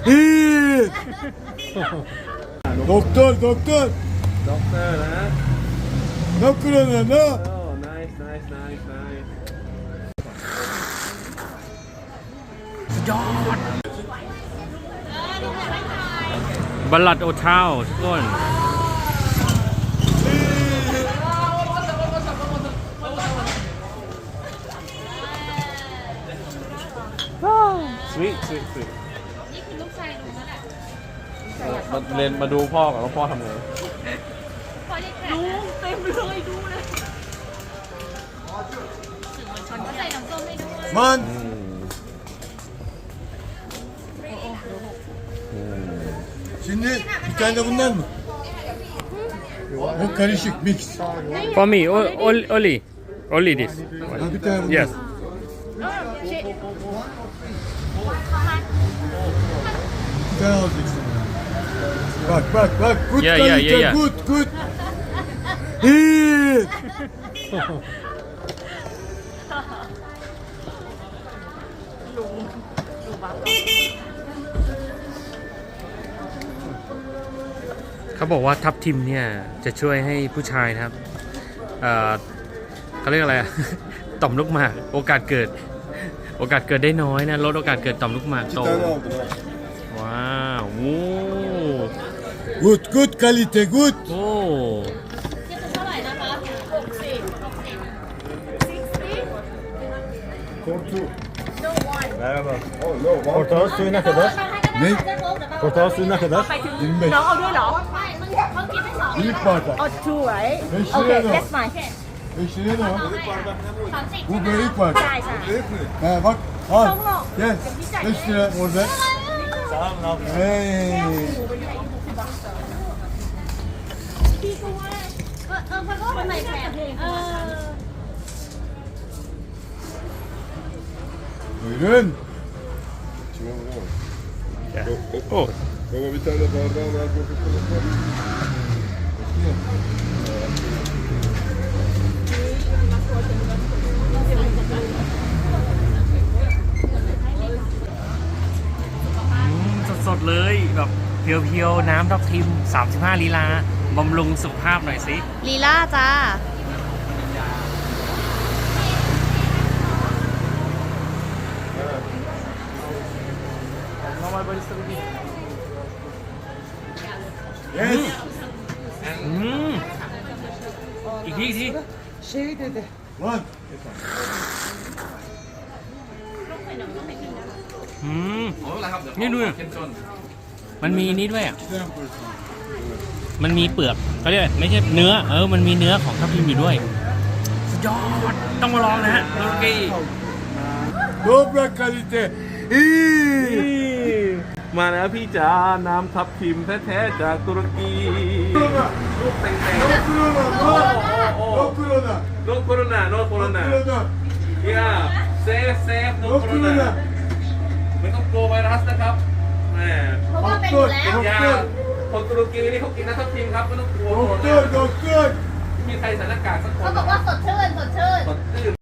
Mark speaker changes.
Speaker 1: Hit! Doktor, doktor.
Speaker 2: Doktor นะ
Speaker 1: No corona, no.
Speaker 2: Oh nice nice nice nice
Speaker 3: บัลลัดโอเท้าทุกคน
Speaker 2: sweet sweet sweet
Speaker 4: นี่คือลูกชายลุงนั่นแหละ
Speaker 2: มาเรียนมาดูพ่อก่อนว่าพ่อทำไง
Speaker 4: พอได้แข่งลุงเต็มเลยดูเลยสื่อมวลชนก็ใส่น้ำส้มให้ด้วย
Speaker 1: Man. Şimdi bir tane de bundan mı? O karışık mix.
Speaker 3: for me only this
Speaker 1: Ha, bir tane bundan.
Speaker 3: yes
Speaker 1: Bir tane alacaksın. Bak bak bak. Good
Speaker 3: Yeah,
Speaker 1: kalite,
Speaker 3: yeah, yeah.
Speaker 1: good good. Hit!
Speaker 3: เขาบอกว่าทับทิมเนี่ยจะช่วยให้ผู้ชายนะครับเขาเรียกอะไรอะ ต่อมลูกหมากโอกาสเกิดได้น้อยนะลดโอกาสเกิดต่อมลูกหมาก
Speaker 1: Bir
Speaker 3: โต
Speaker 1: tane aldım ha.
Speaker 3: ว้าวโอ้
Speaker 1: Good good kalite good.
Speaker 3: โอ้
Speaker 4: นี่คือเท่าไหร่นะคะ
Speaker 5: Merhaba. Portakal suyu ne kadar?
Speaker 1: Ne?
Speaker 5: Portakal suyu ne kadar?
Speaker 1: 25.
Speaker 6: น้องเอาด้วยเหรอ
Speaker 4: เขากินไม่สอง
Speaker 1: Büyük bardak.
Speaker 6: เอาtwo right
Speaker 1: Beş
Speaker 6: okay
Speaker 1: liraya ne
Speaker 6: that's
Speaker 1: var?
Speaker 6: fine
Speaker 1: 5 liraya ne var?
Speaker 4: 30
Speaker 1: Bu büyük bardak.
Speaker 6: ใช่ใช่
Speaker 1: He bak al. Gel. 5 lira orada.
Speaker 5: Sağ olun abi.
Speaker 1: Hey.
Speaker 4: พี่ก็ว่าพักก็คนไหนแข่ง
Speaker 1: Buyurun.
Speaker 3: โอ้
Speaker 7: Baba bir tane bardağı ver Coca-Cola.
Speaker 3: สดๆเลยแบบเพียวๆน้ำทับทิม35ลีลาบำรุงสุขภาพหน่อยสิ
Speaker 4: ลีลาจ้า
Speaker 1: Yes.
Speaker 3: อีกที
Speaker 1: Lan.
Speaker 3: นี่ดูอะมันมีนี้ด้วยอ่ะ มันมีเปลือกเขาเรียกไม่ใช่เนื้อมันมีเนื้อของทับทิมอยู่ด้วยสุดยอดต้องมาลองนะฮะโอเค
Speaker 1: Dobra kalite. İyi.
Speaker 2: มาแล้วพี่จ๋าน้ำทับทิมแท้ๆจากตุรกีลูกเต็ง
Speaker 1: No corona. No. No corona.
Speaker 2: ๆ no corona no
Speaker 1: No
Speaker 2: corona
Speaker 1: corona.
Speaker 2: yeah safe no
Speaker 1: No
Speaker 2: corona
Speaker 1: corona.
Speaker 2: ไม่ต้องกลัวไวรัสนะครับแหม
Speaker 4: เพราะว่าเป็นอยู่แล้ว
Speaker 2: ยาคนตุรกีนี่เขากินน้ำทับทิมครับไม่ต้องกลัว
Speaker 1: Doktor doktor.
Speaker 2: ไม่มีใครใส่หน้ากากสักคน
Speaker 4: เขาบอกว่าสดชื่น
Speaker 2: สดชื่น